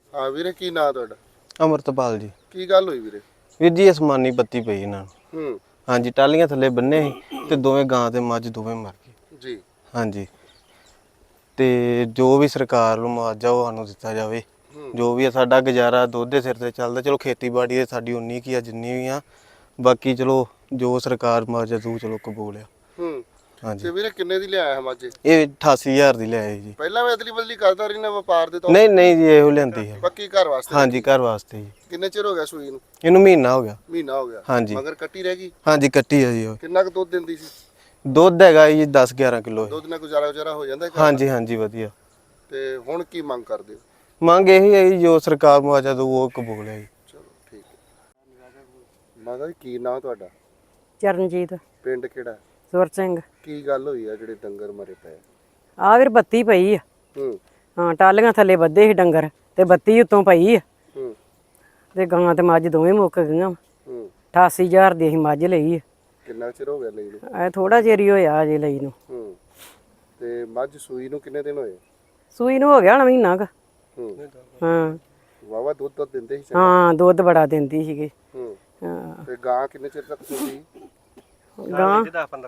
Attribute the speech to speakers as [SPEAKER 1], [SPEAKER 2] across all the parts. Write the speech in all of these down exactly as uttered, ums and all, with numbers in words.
[SPEAKER 1] ਹਾਂ ਵੀਰੇ, ਕੀ ਨਾਂ ਤੁਹਾਡਾ?
[SPEAKER 2] ਅਮਰਤਪਾਲ ਜੀ।
[SPEAKER 1] ਕੀ ਗੱਲ ਹੋਈ ਵੀਰੇ?
[SPEAKER 2] ਵੀਰ ਜੀ ਅਸਮਾਨੀ ਬੱਤੀ ਪਈ ਇਹਨਾਂ ਨੂੰ।
[SPEAKER 1] ਹੂੰ।
[SPEAKER 2] ਹਾਂਜੀ, ਟਾਲੀਆਂ ਥੱਲੇ ਬੰਨੇ ਸੀ ਤੇ ਦੋਵੇਂ ਗਾਂ ਤੇ ਮੱਝ ਦੋਵੇਂ ਮਰ ਗਏ
[SPEAKER 1] ਜੀ।
[SPEAKER 2] ਹਾਂਜੀ। ਤੇ ਜੋ ਵੀ ਸਰਕਾਰ ਨੂੰ ਮੁਆਵਜ਼ਾ ਉਹ ਸਾਨੂੰ ਦਿੱਤਾ ਜਾਵੇ। ਜੋ ਵੀ ਆ, ਸਾਡਾ ਗੁਜ਼ਾਰਾ ਦੁੱਧ ਦੇ ਸਿਰ ਤੇ ਚੱਲਦਾ। ਚਲੋ ਖੇਤੀਬਾੜੀ ਤੇ ਸਾਡੀ ਉਨੀ ਕੀ ਆ ਜਿੰਨੀ ਵੀ ਆ, ਬਾਕੀ ਚਲੋ ਜੋ ਸਰਕਾਰ ਮੁਆਵਜ਼ਾ ਦੂ ਚਲੋ ਕਬੂਲ ਆ।
[SPEAKER 1] ਹੂੰ।
[SPEAKER 2] ਹਾਂਜੀ।
[SPEAKER 1] ਤੇ ਵੀਰੇ ਕਿੰਨੇ ਦੀ ਲਿਆਇਆ ਮੱਝ?
[SPEAKER 2] ਇਹ ਅਠਾਸੀ ਹਜ਼ਾਰ ਦੀ ਲਿਆਏ ਜੀ।
[SPEAKER 1] ਪਹਿਲਾਂ ਵੀ ਅਦਲੀ ਬਦਲੀ ਕਰਦਾ ਰਹੀ ਨਾ ਵਪਾਰ ਦੇ ਤੌਰ
[SPEAKER 2] ਨਹੀਂ
[SPEAKER 1] ਤੇ?
[SPEAKER 2] ਨਹੀਂ ਜੀ, ਇਹੋ ਲਿਆਂਦੀ ਹੈ।
[SPEAKER 1] ਪੱਕੀ ਘਰ ਵਾਸਤੇ?
[SPEAKER 2] ਹਾਂਜੀ, ਘਰ ਵਾਸਤੇ ਜੀ।
[SPEAKER 1] ਕਿੰਨੇ ਚਿਰ ਹੋ ਗਿਆ ਸੂਈ ਨੂੰ?
[SPEAKER 2] ਇਹਨੂੰ ਮਹੀਨਾ ਹੋ ਗਿਆ।
[SPEAKER 1] ਮਹੀਨਾ ਹੋ ਗਿਆ?
[SPEAKER 2] ਹਾਂਜੀ।
[SPEAKER 1] ਮਗਰ ਕੱਟੀ ਰਹਿ ਗਈ?
[SPEAKER 2] ਹਾਂਜੀ, ਕੱਟੀ ਆ ਜੀ ਉਹ।
[SPEAKER 1] ਕਿੰਨਾ ਕੁ ਦੁੱਧ ਦਿੰਦੀ ਸੀ?
[SPEAKER 2] ਦੁੱਧ ਹੈਗਾ ਜੀ ਦਸ ਗਿਆਰਾਂ ਕਿਲੋ।
[SPEAKER 1] ਦੁੱਧ ਨਾਲ ਗੁਜ਼ਾਰਾ ਗੁਜ਼ਾਰਾ ਹੋ ਜਾਂਦਾ ਘਰ ਦਾ?
[SPEAKER 2] ਹਾਂਜੀ ਹਾਂਜੀ, ਵਧੀਆ।
[SPEAKER 1] ਤੇ ਹੁਣ ਕੀ ਮੰਗ ਕਰਦੇ ਹੋ?
[SPEAKER 2] ਮੰਗ ਇਹੀ ਹੈ ਜੀ, ਜੋ ਸਰਕਾਰ ਮੁਆਵਜ਼ਾ ਦਊ ਉਹ ਕਬੂਲ ਹੈ ਜੀ।
[SPEAKER 1] ਚਲੋ ਠੀਕ ਹੈ। ਮਾਤਾ ਜੀ ਕੀ ਨਾਂ ਤੁਹਾਡਾ?
[SPEAKER 3] ਚਰਨਜੀਤ।
[SPEAKER 1] ਪਿੰਡ ਕਿਹੜਾ?
[SPEAKER 3] ਸੁਰ ਸਿੰਘ।
[SPEAKER 1] ਕੀ ਗੱਲ ਹੋਈ ਆ ਜਿਹੜੇ ਡੰਗਰ ਮਰੇ ਪਏ?
[SPEAKER 3] ਆ ਵੀਰ ਬੱਤੀ ਪਈ ਆ।
[SPEAKER 1] ਹੂੰ।
[SPEAKER 3] ਹਾਂ, ਟਾਲੀਆਂ ਥੱਲੇ ਬੱਧੇ ਸੀ ਡੰਗਰ ਤੇ ਬੱਤੀ ਉੱਤੋਂ ਪਈ ਆ
[SPEAKER 1] ਹੂੰ।
[SPEAKER 3] ਤੇ ਗਾਂ ਤੇ ਮੱਝ ਦੋਵੇਂ ਮੁੱਕ ਗਈਆਂ।
[SPEAKER 1] ਹੂੰ।
[SPEAKER 3] ਅਠਾਸੀ ਹਜ਼ਾਰ ਦੀ ਅਸੀਂ ਮੱਝ ਲਈ ਆ।
[SPEAKER 1] ਕਿੰਨਾ ਚਿਰ ਹੋ ਗਿਆ ਲਈ ਨੂੰ?
[SPEAKER 3] ਐ ਥੋੜਾ ਚਿਰ ਹੀ ਹੋਇਆ ਅਜੇ ਲਈ ਨੂੰ।
[SPEAKER 1] ਹੂੰ। ਤੇ ਮੱਝ ਸੂਈ ਨੂੰ ਕਿੰਨੇ ਦਿਨ ਹੋਏ?
[SPEAKER 3] ਸੂਈ ਨੂੰ ਹੋ ਗਿਆ ਹੁਣ ਮਹੀਨਾ ਕ।
[SPEAKER 1] ਹੂੰ।
[SPEAKER 3] ਹਾਂ।
[SPEAKER 1] ਵਾਵਾ ਦੁੱਧ ਤਾਂ ਦਿੰਦੇ ਸੀ ਚੰਗਾ?
[SPEAKER 3] ਹਾਂ, ਦੁੱਧ ਬੜਾ ਦਿੰਦੀ ਸੀਗੀ।
[SPEAKER 1] ਹੂੰ।
[SPEAKER 3] ਹਾਂ।
[SPEAKER 1] ਤੇ ਗਾਂ ਕਿੰਨੇ ਚਿਰ ਤੱਕ ਸੂਈ?
[SPEAKER 3] ਗਾਂ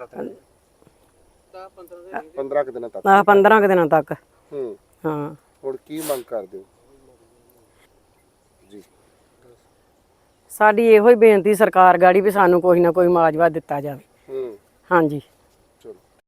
[SPEAKER 1] ਪੰਦਰਾਂ ਕੁ ਦਿਨਾਂ ਤੱਕ?
[SPEAKER 3] ਆ ਪੰਦਰਾਂ ਕੁ ਦਿਨਾਂ ਤੱਕ।
[SPEAKER 1] ਹੂੰ।
[SPEAKER 3] ਹਾਂ।
[SPEAKER 1] ਹੁਣ ਕੀ ਮੰਗ ਕਰਦੇ ਹੋ ਜੀ?
[SPEAKER 3] ਸਾਡੀ ਇਹੋ ਹੀ ਬੇਨਤੀ ਸਰਕਾਰ ਗਾੜੀ ਵੀ ਸਾਨੂੰ ਕੋਈ ਨਾ ਕੋਈ ਮੁਆਵਜ਼ਾ ਦਿੱਤਾ ਜਾਵੇ।
[SPEAKER 1] ਹੂੰ।
[SPEAKER 3] ਹਾਂਜੀ।